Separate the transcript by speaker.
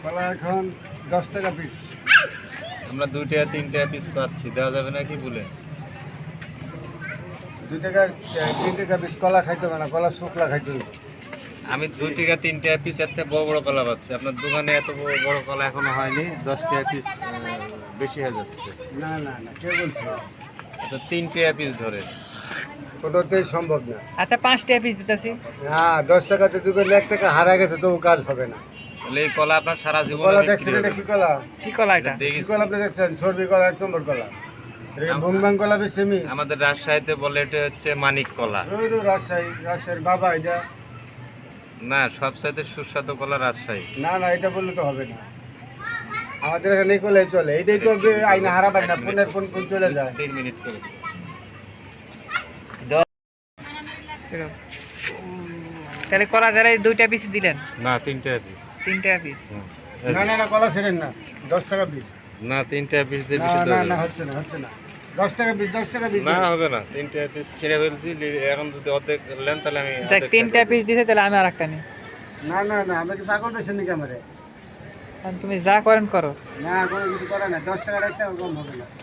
Speaker 1: কলা এখন 10 টাকা পিস।
Speaker 2: আমরা 2 টাকা 3 টাকা পিস পাচ্ছি, দেওয়া যাবে নাকি বলে?
Speaker 1: 2 টাকা 3 টাকা পিস কলা খাইতে হবে না, কলা শুকলা খাইতে হবে।
Speaker 2: আমি 2 টাকা 3 টাকা পিস এর থেকে বড় বড় কলা পাচ্ছি, আপনার দোকানে এত বড় বড় কলা এখনো হয়নি, 10 টাকা পিস বেশি হয়ে যাচ্ছে।
Speaker 1: না না না, কে বলছে?
Speaker 2: তো 3 টাকা পিস ধরে।
Speaker 1: ওটাতেই সম্ভব না।
Speaker 3: আচ্ছা 5 টাকা পিস দিতেছি।
Speaker 1: হ্যাঁ, 10 টাকাতে দোকানে 1 টাকা হারা গেছে, তবু কাজ হবে না।
Speaker 2: তাহলে এই কলা আপনার সারা জীবন
Speaker 1: কলা দেখছেন, এটা কি কলা?
Speaker 3: কি কলা এটা?
Speaker 1: কি কলা আপনি দেখছেন? সর্বি কলা, 1 নম্বর কলা। এটা ভুংবাং কলা বেশি আমি।
Speaker 2: আমাদের রাজশাহীতে বলে এটা হচ্ছে মানিক কলা।
Speaker 1: ওই তো রাজশাহীর বাবা এটা।
Speaker 2: না, সবচাইতে সুস্বাদু কলা রাজশাহী।
Speaker 1: না না, এটা বললে তো হবে না। আমাদের এখানে কলে চলে, এইটাই তো আইনা হারাবার না, কোন চলে যায়।
Speaker 2: 3 মিনিট করে।
Speaker 3: তাহলে কলা যারা 2 টাকা পিস দিলেন,
Speaker 2: না 3 টাকা পিস।
Speaker 3: 3 টাকা পিস।
Speaker 1: না না না, কলা ছেড়েন না, 10 টাকা পিস।
Speaker 2: না 3 টাকা পিস দিয়ে
Speaker 1: না
Speaker 2: বেশি
Speaker 1: না
Speaker 2: দেওয়া
Speaker 1: না,
Speaker 2: যাবে।
Speaker 1: হচ্ছে না 10 টাকা পিস, 10 টাকা পিস।
Speaker 2: না হবে না, 3 টাকা পিস ছেড়ে ফেলছি, এখন যদি অর্ধেক নেন তাহলে আমি
Speaker 3: দেখ 3 টাকা পিস দিছে, তাহলে আমি আরেকটা নিই।
Speaker 1: না না না, আমি কি পাগল পেয়েছি নাকি আমারে?
Speaker 3: তুমি যা করেন করো।
Speaker 1: না, কোনো কিছু করে না, 10 টাকা 1 টাকা কম হবে না।